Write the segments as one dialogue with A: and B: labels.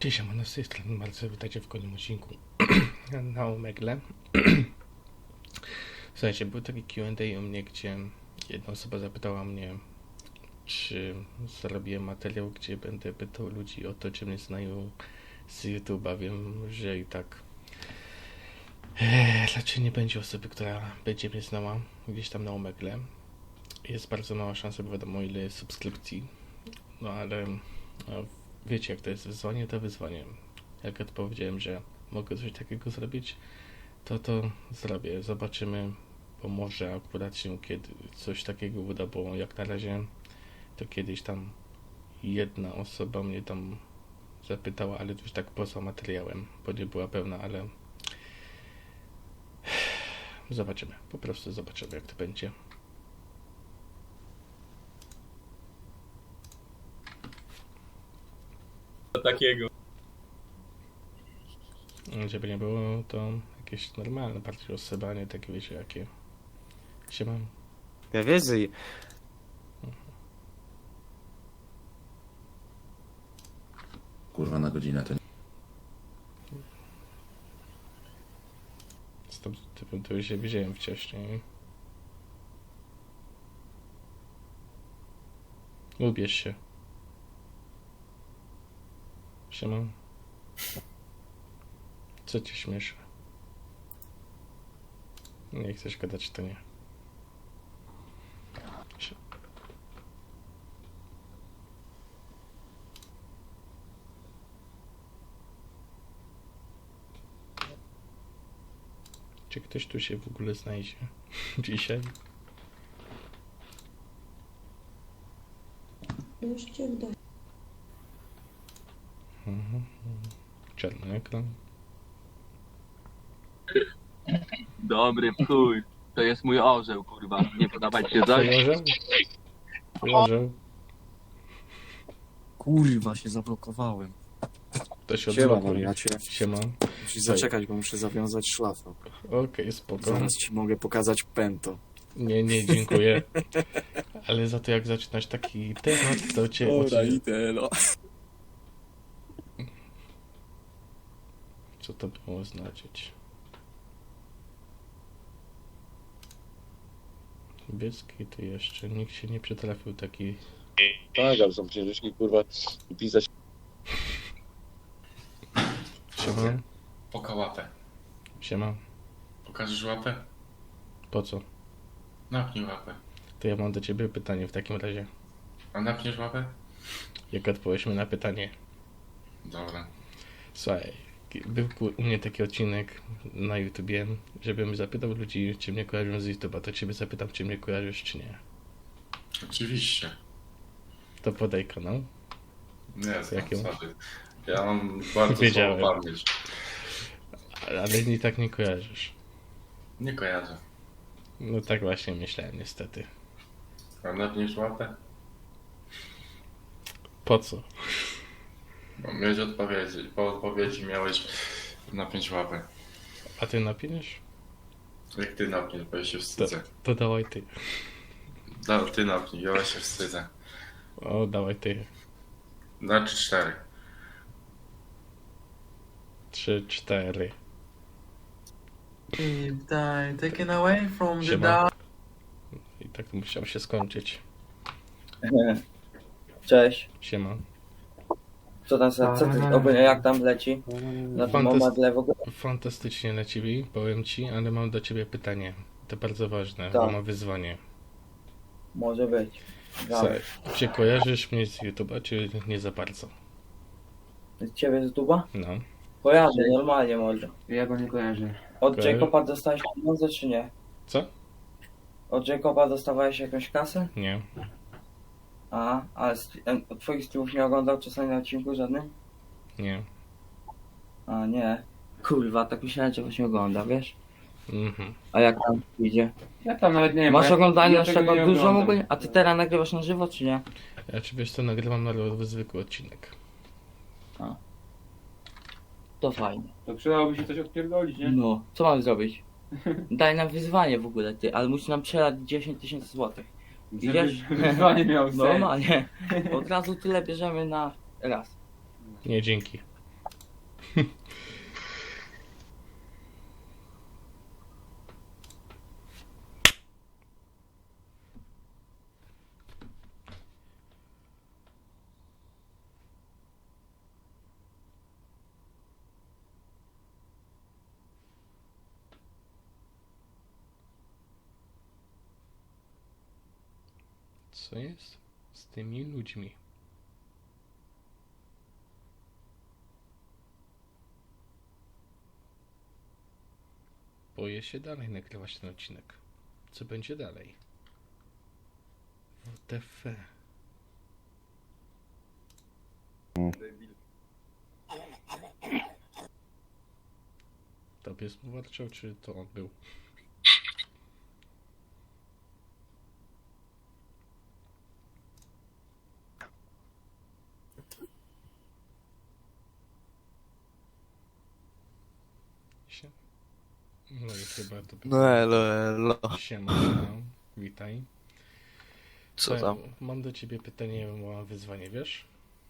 A: Cześć, siemano, z tej strony Marcel, witajcie w kolejnym odcinku na Omegle. Słuchajcie, był taki Q&A u mnie, gdzie jedna osoba zapytała mnie, czy zrobię materiał, gdzie będę pytał ludzi o to, czy mnie znają z YouTube'a. Wiem, że i tak raczej nie będzie osoby, która będzie mnie znała gdzieś tam na Omegle. Jest bardzo mała szansa, bo wiadomo ile jest subskrypcji, no ale wiecie, jak to jest wyzwanie, to wyzwanie. Jak odpowiedziałem, że mogę coś takiego zrobić, to zrobię. Zobaczymy, bo może akurat się kiedy coś takiego uda, bo jak na razie to kiedyś tam jedna osoba mnie tam zapytała, ale już tak poza materiałem, bo nie była pełna, ale zobaczymy. Po prostu zobaczymy, jak to będzie.
B: Takiego.
A: Żeby nie było to jakieś normalne bardziej rozsybanie, takie wiecie jakie się mam.
C: Ja wiedzę.
D: Kurwa na godzinę to nie.
A: Z tym typem to już się widziałem wcześniej. Ubierz się. Siema. Co cię śmieszy? Nie chcesz gadać, to nie. Sie- Czy ktoś tu się w ogóle znajdzie dzisiaj?
E: Już cię wda.
A: Czarny ekran.
B: Dobry chuj. To jest mój orzeł, kurwa. Nie podoba ci się coś?
A: Orzeł?
C: Kurwa, się zablokowałem.
A: To się
C: Siema,
A: odblokuje.
C: wariacie.
A: Siema.
C: Musisz zaczekać, bo muszę zawiązać szlafę.
A: Okej, spoko.
C: Zaraz ci mogę pokazać pęto.
A: Nie, dziękuję. Ale za to jak zaczynasz taki temat, to cię...
C: idę, no.
A: Co to było znaczyć? Biecki to jeszcze nikt się nie przytrafił taki...
F: Tak, ale są księżyczki, kurwa, i pisać.
A: Siema.
G: Poka łapę.
A: Siema.
G: Pokażesz łapę?
A: Po co?
G: Napnij łapę.
A: To ja mam do ciebie pytanie w takim razie.
G: A napniesz łapę?
A: Jak odpowiesz mi na pytanie?
G: Dobra.
A: Słuchaj, był u mnie taki odcinek na YouTubie, żebym zapytał ludzi, czy mnie kojarzą z YouTube'a, to ciebie zapytam, czy mnie kojarzysz, czy nie.
G: Oczywiście.
A: To podaj kanał.
G: Nie,
A: Jakie masz?
G: sorry. Ja mam bardzo
A: Wiedziałem.
G: słabą pamięć.
A: Ale i tak nie kojarzysz.
G: Nie kojarzę.
A: No tak właśnie myślałem niestety.
G: A napniesz łapę?
A: Po co?
G: Bo miałeś odpowiedzi. Po odpowiedzi miałeś napiąć łapę.
A: A ty napiniesz?
G: Jak ty napniesz, bo ja się wstydzę.
A: To dawaj ty.
G: Ty napnij, ja się wstydzę.
A: O, dawaj ty.
G: Znaczy 4.
A: 3, 4.
H: Die, taken away from the
A: Siema.
H: dark.
A: I tak musiał się skończyć.
I: Cześć,
A: Siema.
I: co tam, co ty, ogólnie jak tam leci? Na tym omadle w ogóle?
A: Fantastycznie na ciebie, powiem ci, ale mam do ciebie pytanie. To bardzo ważne,
I: Tak.
A: bo mam wyzwanie.
I: Może być.
A: Słuchaj, czy kojarzysz mnie z YouTube'a, czy nie za bardzo?
I: Z ciebie z duba?
A: No.
I: Kojarzę, normalnie może.
H: Ja go nie kojarzę.
I: Od
A: Kojarzy-
I: Jacoba dostałeś pieniądze czy nie?
A: Co?
I: Od Jacoba dostawałeś jakąś kasę?
A: Nie.
I: A twoich streamów nie oglądał czasami na odcinku żadnym?
A: Nie.
I: A nie. Kurwa, tak myślałem, że właśnie ogląda, wiesz?
A: Mhm.
I: A jak tam idzie?
H: Ja tam nawet nie wiem.
I: Masz
H: ja-
I: oglądania
H: ja
I: aż
H: tego
I: tego
H: nie
I: dużo
H: oglądam.
I: ogólnie? A ty teraz nagrywasz na żywo czy nie?
A: Ja czy wiesz co, nagrywam na zwykły odcinek.
I: To fajnie.
H: To przydałoby się coś odpierdolić, nie?
I: No, co mam zrobić? Daj nam wyzwanie w ogóle ty, ale musisz nam przelać 10 000 złotych. Idziesz?
H: Żeby wyzwanie miało sens.
I: Normalnie. Od razu tyle bierzemy na raz.
A: Nie, dzięki. Co jest z tymi ludźmi? Boję się dalej nagrywać ten odcinek. Co będzie dalej? WTF. To pies mu warczał, czy to on był? Sie- No i chyba to
C: No elo.
A: Siema, siema. Witaj.
C: Co tam?
A: Mam do ciebie pytanie, mam wyzwanie, wiesz?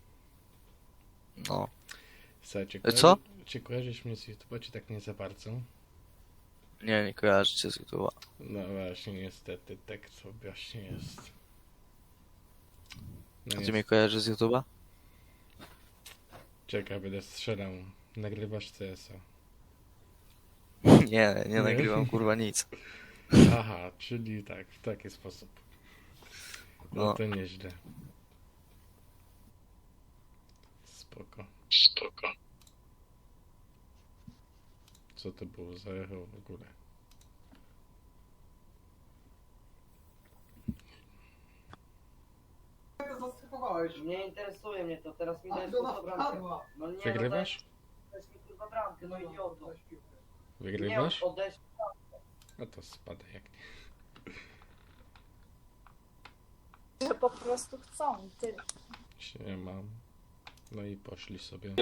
C: No.
A: Słuchaj,
C: Co?
A: Czy kojarzysz mnie z YouTube'a, czy tak nie za bardzo?
C: Nie kojarzę cię z YouTube'a.
A: No właśnie, niestety, tak to właśnie jest. No
C: A ty mnie kojarzysz z YouTube'a?
A: Czekaj, będę strzelał. Nagrywasz CS-a.
C: Nie nagrywam kurwa nic.
A: Aha, czyli tak, w taki sposób.
C: No.
A: No to nieźle. Spoko. Co to było za echo w ogóle?
I: Nie interesuje mnie to, teraz mi dajesz kurwa bramkę. No nie,
A: Wygrywasz?
I: dajesz mi kurwa bramkę, no idioto.
A: Wygrywasz?
I: Nie, oddajesz.
A: A to spada jak nie.
E: Że po prostu chcą, tyle.
A: Siema. No i poszli sobie.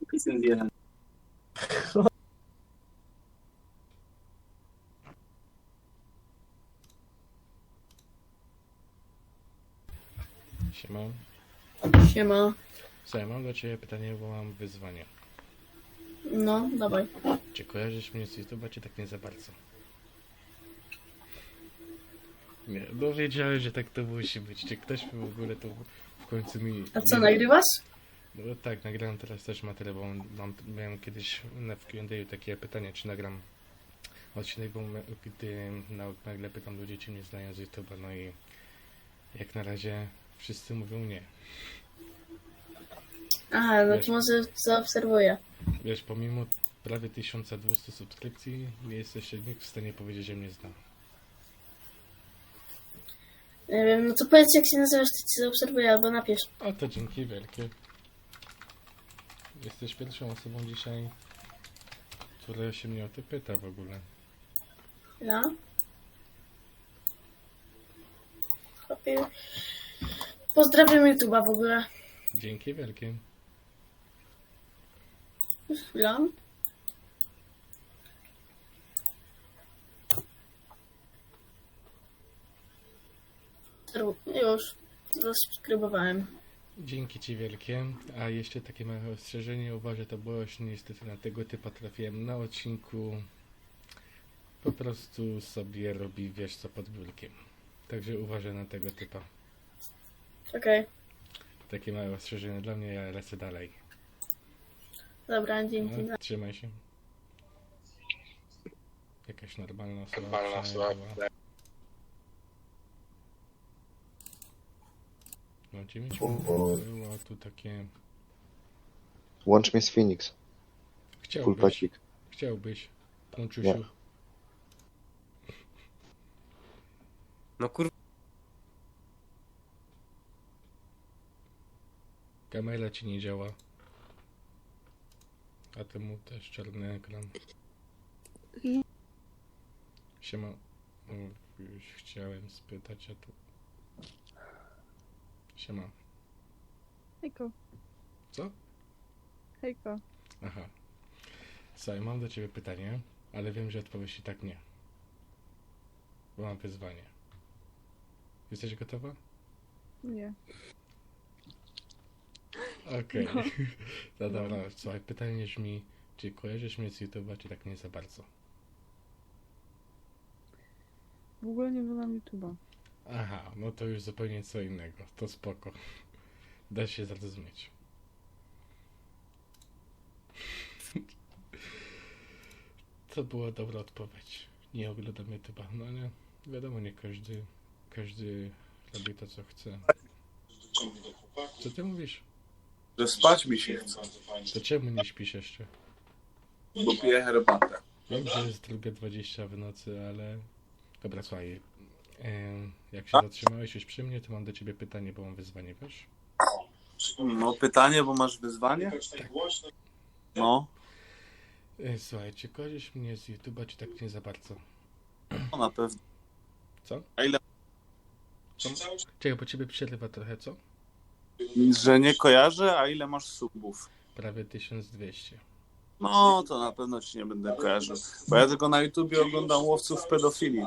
A: Siema.
E: Siema.
A: Słuchaj, mam do ciebie pytanie, bo mam wyzwanie.
E: No, dawaj.
A: Czy kojarzysz mnie z YouTube'a, czy tak nie za bardzo? Nie, no wiedziałem, że tak to musi być. Czy ktoś w ogóle to w końcu mi...
E: A co,
A: nie-
E: nagrywasz?
A: No tak, nagrałem teraz też materiał, bo miałem kiedyś na w Q&A takie pytanie, czy nagram odcinek, bo gdy nagle pytam ludzi, czy mnie znają z YouTube'a, no i jak na razie wszyscy mówią nie.
E: Aha, no
A: Wiesz.
E: to może zaobserwuję.
A: Wiesz, pomimo prawie 1200 subskrypcji, nie jesteś nikt w stanie powiedzieć, że mnie zna.
E: Nie wiem, no to powiedz jak się nazywasz, to cię zaobserwuję albo napisz.
A: A to dzięki wielkie. Jesteś pierwszą osobą dzisiaj, która się mnie o to pyta w ogóle.
E: No. Chłopie. Pozdrawiam YouTube'a w ogóle.
A: Dzięki wielkie.
E: Chwila. Już. Zasubskrybowałem.
A: Dzięki ci wielkie. A jeszcze takie małe ostrzeżenie. Uważaj, to było już niestety na tego typa trafiłem na odcinku. Po prostu sobie robi wiesz co pod biurkiem. Także uważaj na tego typa.
E: Okej.
A: Takie małe ostrzeżenie dla mnie, ja lecę dalej.
E: Dobra, dzięki.
A: No, trzymaj się. Jakaś normalna osoba. przynajmniej była. Mam cię mieć. Było tu takie...
J: Łącz mnie z Phoenix. Full
A: Chciałbyś.
J: pacik.
A: Chciałbyś. Pączusiu.
J: Nie.
H: No kurwa.
A: Kamera ci nie działa. A temu też czarny ekran. Siema. O, już chciałem spytać, a tu... Siema.
E: Hejko.
A: Co?
E: Hejko.
A: Aha. Słuchaj, mam do ciebie pytanie, ale wiem, że odpowiesz i tak nie. Bo mam wyzwanie. Jesteś gotowa?
E: Nie.
A: Okej. No dobra, słuchaj, pytanie brzmi, czy kojarzysz mnie z YouTube'a, czy tak nie za bardzo?
K: W ogóle nie oglądam YouTube'a.
A: Aha, no to już zupełnie co innego, to spoko. Da się zrozumieć. To była dobra odpowiedź. Nie oglądam YouTube'a, no ale wiadomo, nie każdy robi to, co chce. Co ty mówisz?
L: Że spać mi się chce,
A: To czemu nie śpisz jeszcze?
L: bo piję herbatę.
A: Wiem, że jest 2:20 w nocy, ale... Dobra, słuchaj. Jak się zatrzymałeś już przy mnie, to mam do ciebie pytanie, bo mam wyzwanie, wiesz?
L: No pytanie, bo masz wyzwanie? No,
A: Słuchaj, czy kojarzysz mnie z YouTube'a, czy tak nie za bardzo?
L: no na pewno.
A: Co?
L: A ile?
A: Czekaj, bo ciebie przerywa trochę, co?
L: Że nie kojarzę, a ile masz subów?
A: Prawie 1200.
L: No, to na pewno ci nie będę kojarzył. Bo ja tylko na YouTubie oglądam łowców pedofilii.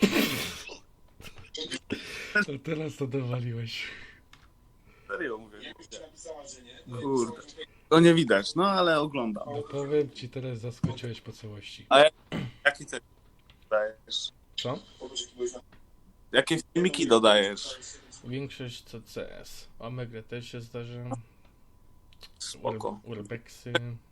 A: A teraz to dowaliłeś.
L: Serio mówię. Kurde. To nie widać, no ale oglądam.
A: No powiem ci, teraz zaskoczyłeś po całości.
L: Jaki ty dodajesz?
A: Co?
L: Jakie filmiki dodajesz?
A: Większość to CS. Omega też się zdarza.
L: Spoko.
A: Urbexy.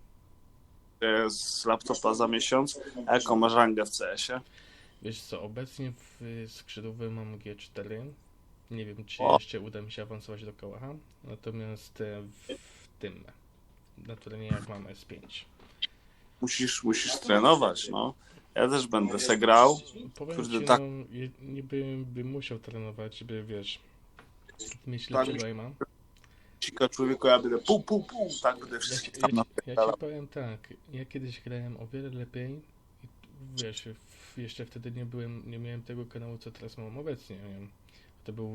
L: Z laptopa za miesiąc. A jaką masz rangę w CS-ie?
A: Wiesz co, obecnie w skrzydłowy mam G4. Nie wiem, czy
L: O.
A: jeszcze uda mi się awansować do Kałacha. Natomiast w tym, na turniejach mam S5.
L: Musisz trenować, no. Ja też będę se grał.
A: Powiem
L: Kurde,
A: ci,
L: tak.
A: no, niby bym musiał trenować, żeby, wiesz, mieć
L: Tak.
A: lepszego aima.
L: Cika człowieku, ja będę pół, tak będę
A: Ja,
L: wszystkich
A: ci-
L: tam
A: ja, ci- ja
L: napierdalał.
A: ci powiem tak, ja kiedyś grałem o wiele lepiej i wiesz, jeszcze wtedy nie miałem tego kanału, co teraz mam obecnie, nie wiem. To był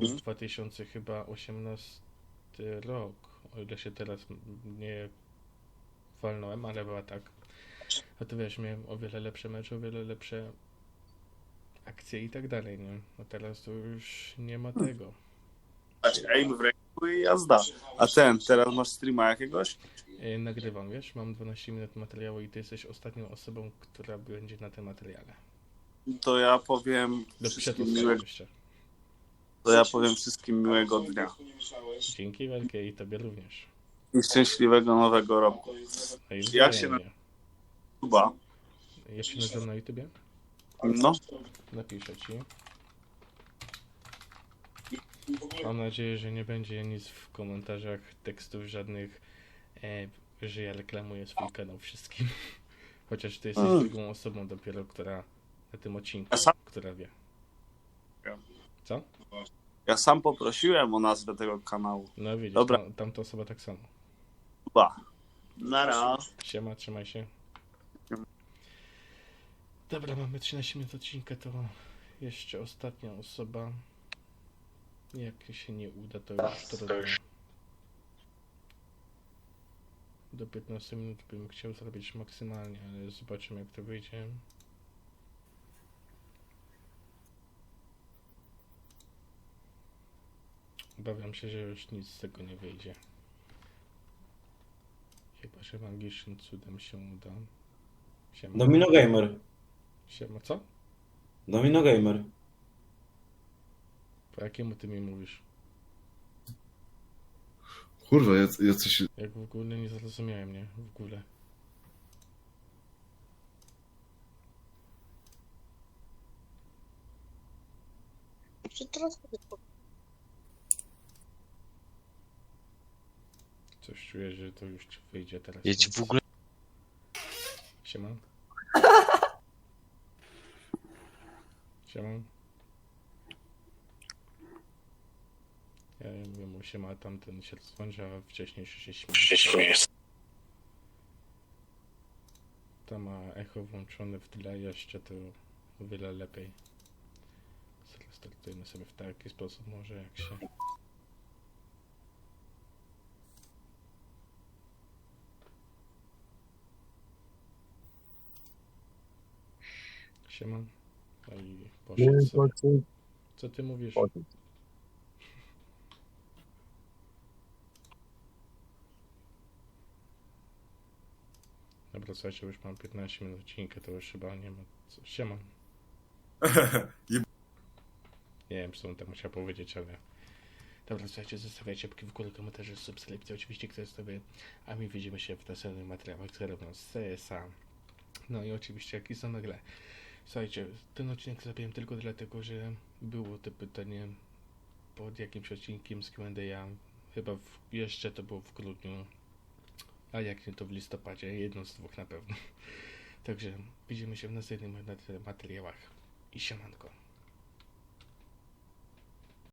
A: 2018 rok, o ile się teraz nie walnąłem, ale była tak. A to wiesz, miałem o wiele lepsze mecze, o wiele lepsze akcje i tak dalej, nie? A teraz to już nie ma tego.
L: Aim w ręku i jazda. A teraz masz streama jakiegoś?
A: Nagrywam, wiesz, mam 12 minut materiału i ty jesteś ostatnią osobą, która będzie na tym materiale.
L: To ja powiem
A: Do
L: wszystkim
A: przetłumaczenia jeszcze.
L: miłego dnia.
A: Dzięki wielkie i tobie również.
L: I szczęśliwego nowego roku.
A: No i
L: Jak się
A: wzajemnie.
L: Chyba.
A: Jak się nazywam na YouTubie?
L: No,
A: Napiszę ci. Mam nadzieję, że nie będzie nic w komentarzach, tekstów żadnych, że ja reklamuję swój kanał wszystkim. Chociaż ty jesteś drugą osobą dopiero, która na tym odcinku, która wie. Co?
L: ja sam poprosiłem o nazwę tego kanału.
A: No widzisz,
L: Dobra.
A: tamta osoba tak samo.
L: Chyba. Nara.
A: Siema, trzymaj się. Dobra, mamy 13 minut odcinka, to jeszcze ostatnia osoba. Jak się nie uda, to już trudno. Do 15 minut bym chciał zrobić maksymalnie, ale zobaczymy jak to wyjdzie. Obawiam się, że już nic z tego nie wyjdzie. Chyba, że magicznym cudem się uda. Siema.
M: Domino Gamer.
A: Siema, co?
M: Domino Gamer.
A: Po jakiemu ty mi mówisz?
D: Kurwa, ja coś...
A: Jak w ogóle nie zrozumiałem, nie? W ogóle. Coś czuję, że to już wyjdzie teraz.
C: Ja ci w ogóle...
A: Siema. Siema. Ja mówię mu siema, tamten się rozłącza, a wcześniejszy się śmieje. Tam ma echo włączone w tle jeszcze, to o wiele lepiej. Zrestartujemy sobie w taki sposób może jak się... Siema. No i poszedł sobie. Co ty mówisz? Dobra, słuchajcie, już mam 15 minut odcinka, to już chyba nie ma co. Siema. Nie wiem, co on tam musiał powiedzieć, ale... Dobra, słuchajcie, zostawiajcie łapki w górę, komentarze, subskrypcje, oczywiście kto jest sobie, a my widzimy się w następnych materiałach, które robią z CSA. No i oczywiście jakiś zamegle. Słuchajcie, ten odcinek zrobiłem tylko dlatego, że było to pytanie pod jakimś odcinkiem z Q&A, chyba jeszcze to było w grudniu, a jak nie to w listopadzie, jedno z dwóch na pewno. Także widzimy się w następnych materiałach i siemanko.